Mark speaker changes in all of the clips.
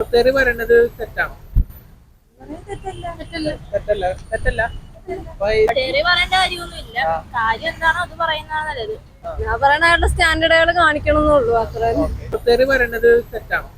Speaker 1: തെറി പറയണത് തെറ്റാണോ? തെറ്റല്ല തെറ്റല്ല.
Speaker 2: തെറി പറയേണ്ട കാര്യമൊന്നുമില്ല. കാര്യം എന്താണോ അത് പറയുന്നതാണ് നല്ലത്.
Speaker 3: ഞാൻ പറയണ അയാളുടെ സ്റ്റാൻഡേർഡുകൾ കാണിക്കണമെന്നുള്ളൂ അത്ര.
Speaker 1: തെറി പറയണത് തെറ്റാണോ?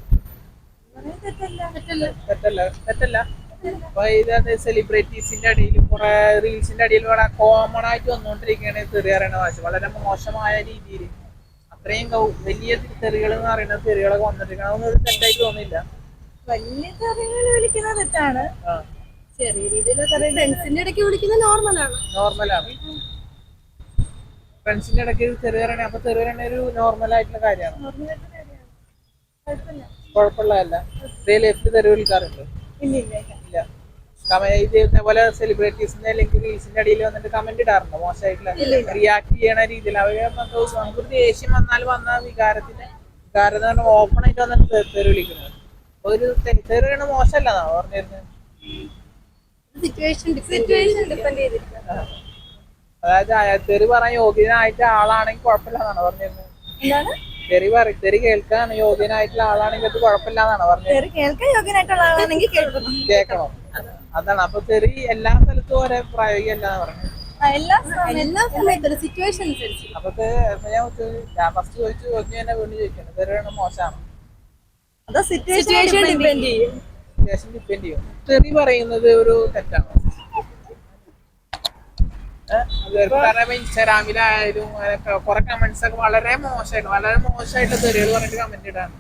Speaker 1: തെറ്റല്ല തെറ്റല്ല. അപ്പൊ ഇത് സെലിബ്രിറ്റീസിന്റെ അടിയിലും കുറെ റീൽസിന്റെ അടിയിലും വളരെ കോമൺ ആയിട്ട് വന്നുകൊണ്ടിരിക്കുകയാണ് തെറി പറയണ ഭാഷ. വളരെ മോശമായ രീതിയിൽ അത്രയും വലിയ തെറികൾ എന്ന് പറയുന്നത് തെറികളൊക്കെ വന്നിരിക്കണം. അതൊന്നും ഒരു തെറ്റായിട്ട് തോന്നില്ല.
Speaker 3: വലിയ തെറികൾ വിളിക്കുന്നത് തെറ്റാണ്. ചെറിയ രീതിയിൽ ഫ്രണ്ട്സിന്റെ ഇടയ്ക്ക് വിളിക്കുന്നത്
Speaker 1: നോർമലാണ്. ഫ്രണ്ട്സിന്റെ ഇടയ്ക്ക് തെറി പറയണേ, അപ്പൊ തെറി പറയണ ഒരു നോർമൽ ആയിട്ടുള്ള കാര്യമാണ്, കുഴപ്പമുള്ളതല്ല. റിയൽ ലൈഫിൽ തെറി വിളിക്കാറുണ്ട്? ഇല്ല. ഇതേപോലെ സെലിബ്രിറ്റീസിന്റെ അല്ലെങ്കിൽ റീൽസിന്റെ അടിയിൽ വന്നിട്ട് കമന്റ് ഇടാറുണ്ടോ മോശമായിട്ടുള്ള റിയാക്ട് ചെയ്യണ രീതിയിൽ? അവര് നമുക്ക് ദേഷ്യം വന്ന വികാരം ഓപ്പൺ ആയിട്ട് വന്നിട്ട് തെറി വിളിക്കുന്നത് ഒരു തെറി പറയണ മോശമല്ലെന്നാണോ പറഞ്ഞിരുന്നത്? അതായത് തെറി പറയാൻ യോഗ്യനായിട്ട് ആളാണെങ്കിൽ കുഴപ്പമില്ലെന്നാണോ പറഞ്ഞിരുന്നത്? തെറി കേൾക്കാൻ യോഗ്യനായിട്ടുള്ള ആളാണെങ്കിൽ അത് കുഴപ്പമില്ലാന്നാണോ പറഞ്ഞത്? കേൾക്കണോ? അതാണ്. അപ്പൊ തെറി എല്ലാ സ്ഥലത്തും ഒരേ പ്രായോഗികമല്ലാന്ന് പറഞ്ഞത്. അപ്പൊ ഞാൻ ഫസ്റ്റ് ചോദിച്ചു തന്നെ വീണ്ടും ചോദിക്കണം, തെറി പറയണ മോശമാണോ?
Speaker 3: സിറ്റുവേഷൻ ഡിപ്പെൻഡ്
Speaker 1: ചെയ്യും. തെറി പറയുന്നത് ഒരു തെറ്റാണോ? കാരണം ഇൻസ്റ്റാഗ്രാമിലായാലും കുറെ കമന്റ്സ് ഒക്കെ വളരെ മോശമായിട്ട് തെറികൾ പറഞ്ഞിട്ട് കമന്റ് ഇടാണ്.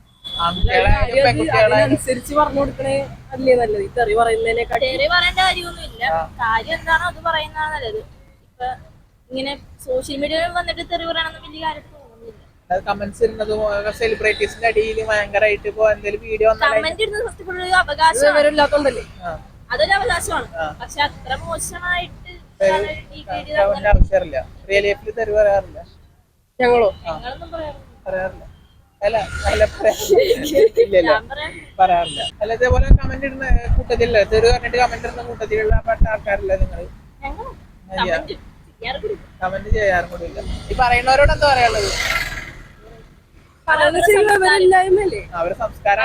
Speaker 3: അനുസരിച്ച് പറഞ്ഞു കൊടുക്കണേ അല്ലേ നല്ലത്, ഈ തെറി പറയുന്നതിനെക്കാട്ടി.
Speaker 2: തെറി പറയേണ്ട കാര്യമൊന്നുമില്ല. കാര്യം എന്താണോ അത് പറയുന്നതാണ് നല്ലത്. ഇപ്പൊ ഇങ്ങനെ സോഷ്യൽ മീഡിയയിൽ വന്നിട്ട് തെറി പറയണമെന്ന് വലിയ കാര്യം തോന്നുന്നില്ല.
Speaker 1: കമന്റ്സ് ഇടുന്നതും സെലിബ്രിറ്റീസിന്റെ അടിയിൽ ഭയങ്കരമായിട്ട് ഇപ്പൊ എന്തെങ്കിലും വീഡിയോ
Speaker 2: കമന്റ് ഇടുന്നത് ഫസ്റ്റ് ഒരു അവകാശം
Speaker 3: ഇല്ലാത്തോണ്ടല്ലേ?
Speaker 2: അതൊരു അവകാശമാണ്. പക്ഷെ അത്ര മോശമായിട്ട്
Speaker 1: ആവശ്യമില്ല. റിയൽ ലൈഫിൽ തെറി പറയാറില്ല
Speaker 3: ഞങ്ങളോ?
Speaker 1: പറയാറില്ല. പറയാറില്ല. അല്ല ഇതേപോലെ കമന്റ് ഇടുന്ന കൂട്ടത്തിലല്ല, തെറി പറഞ്ഞിട്ട് കമന്റ് ഇടുന്ന കൂട്ടത്തിലുള്ള പെട്ട ആൾക്കാരില്ല നിങ്ങൾ? കമന്റ് ചെയ്യാറും കൂടി ഇല്ല. ഈ പറയുന്നവരോട് എന്താ പറയാനുള്ളത്? അവരെ സംസ്കാരം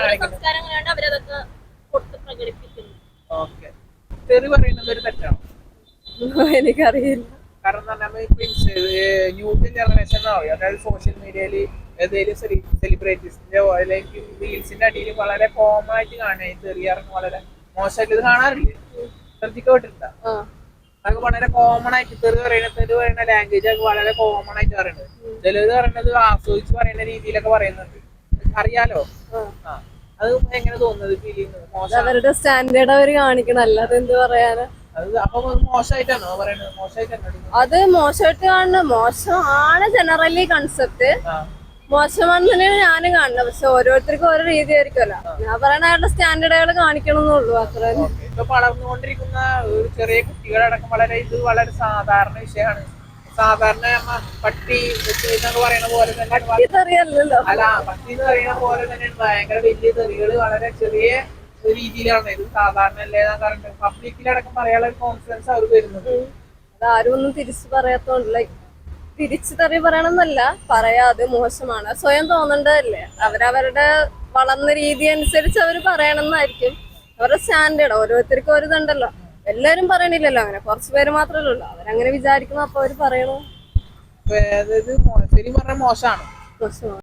Speaker 1: ഓക്കെ. തെറി പറയുന്നത് ഒരു തെറ്റാണോ?
Speaker 3: എനിക്കറിയില്ല.
Speaker 1: കാരണം ന്യൂ ജനറേഷൻ അതായത് സോഷ്യൽ മീഡിയയിൽ ഏതെങ്കിലും സെലിബ്രിറ്റീസിന്റെ അല്ലെങ്കിൽ റീൽസിന്റെ അടിയിൽ വളരെ കോമൺ ആയിട്ട് കാണുക തെറിയാറുണ്ട്. വളരെ മോശമായിട്ട് ഇത് കാണാറില്ലേ? ശ്രദ്ധിക്കപ്പെട്ടിട്ടുണ്ടോ? അതൊക്കെ വളരെ കോമൺ ആയിട്ട് തെറി പറയുന്ന ലാംഗ്വേജ് ഒക്കെ വളരെ കോമൺ ആയിട്ട് പറയുന്നത്. ചിലര് പറയുന്നത് ആസ്വദിച്ച് പറയുന്ന രീതിയിലൊക്കെ പറയുന്നുണ്ട്. അറിയാലോ? അത് എങ്ങനെ തോന്നുന്നത്? ഫീൽ ചെയ്യുന്നത്
Speaker 3: അവരുടെ സ്റ്റാൻഡേർഡ് അവര് കാണിക്കണം, അല്ലാതെ എന്ത് പറയാനാ?
Speaker 1: അപ്പൊ മോശമായിട്ടാണോ പറയുന്നത്?
Speaker 3: അത് മോശമായിട്ട് കാണുന്നത് മോശമാണ്. ജനറലി കൺസെപ്റ്റ് മോശമാണെന്ന് തന്നെയാണ് ഞാനും കാണുന്നത്. പക്ഷെ ഓരോരുത്തർക്കും ഓരോ രീതി ആയിരിക്കുമല്ലോ. ഞാൻ പറയണ അയാളുടെ സ്റ്റാൻഡേർഡുകൾ കാണിക്കണമെന്നുള്ളൂ അത്ര.
Speaker 1: ഇപ്പൊ വളർന്നുകൊണ്ടിരിക്കുന്ന ചെറിയ കുട്ടികളടക്കം വളരെ സാധാരണ വിഷയമാണ്. സാധാരണ പട്ടി എന്നൊക്കെ പറയുന്ന പോലെ തന്നെ അല്ല, പട്ടി എന്ന് പറയുന്ന പോലെ തന്നെ ഭയങ്കര വലിയ തെറികൾ വളരെ ചെറിയ രീതിയിലാണ്. ഇത് സാധാരണ അല്ലേ പബ്ലിക്കിലടക്കം പറയാനുള്ള ഒരു കോൺഫിഡൻസ് അവർക്ക് വരുന്നത്.
Speaker 3: അതാരും ഒന്നും തിരിച്ചു പറയാത്തോണ്ടല്ല. തിരിച്ചു തെറി പറയണമെന്നല്ല, പറയാതെ മോശമാണ്, സ്വയം തോന്നേണ്ടതല്ലേ. അവരവരുടെ വളർന്ന രീതി അനുസരിച്ച് അവർ പറയണമെന്നായിരിക്കും അവരുടെ സ്റ്റാൻഡേർഡ്. ഓരോരുത്തർക്കും ഒരു ഇതുണ്ടല്ലോ, എല്ലാരും പറയണില്ലല്ലോ. അങ്ങനെ കുറച്ച് പേര് മാത്രമല്ലേ ഉള്ളൂ. അവരങ്ങനെ വിചാരിക്കുന്നു, അപ്പൊ അവര് പറയണു.
Speaker 1: ശരി പറഞ്ഞ മോശമാണ്.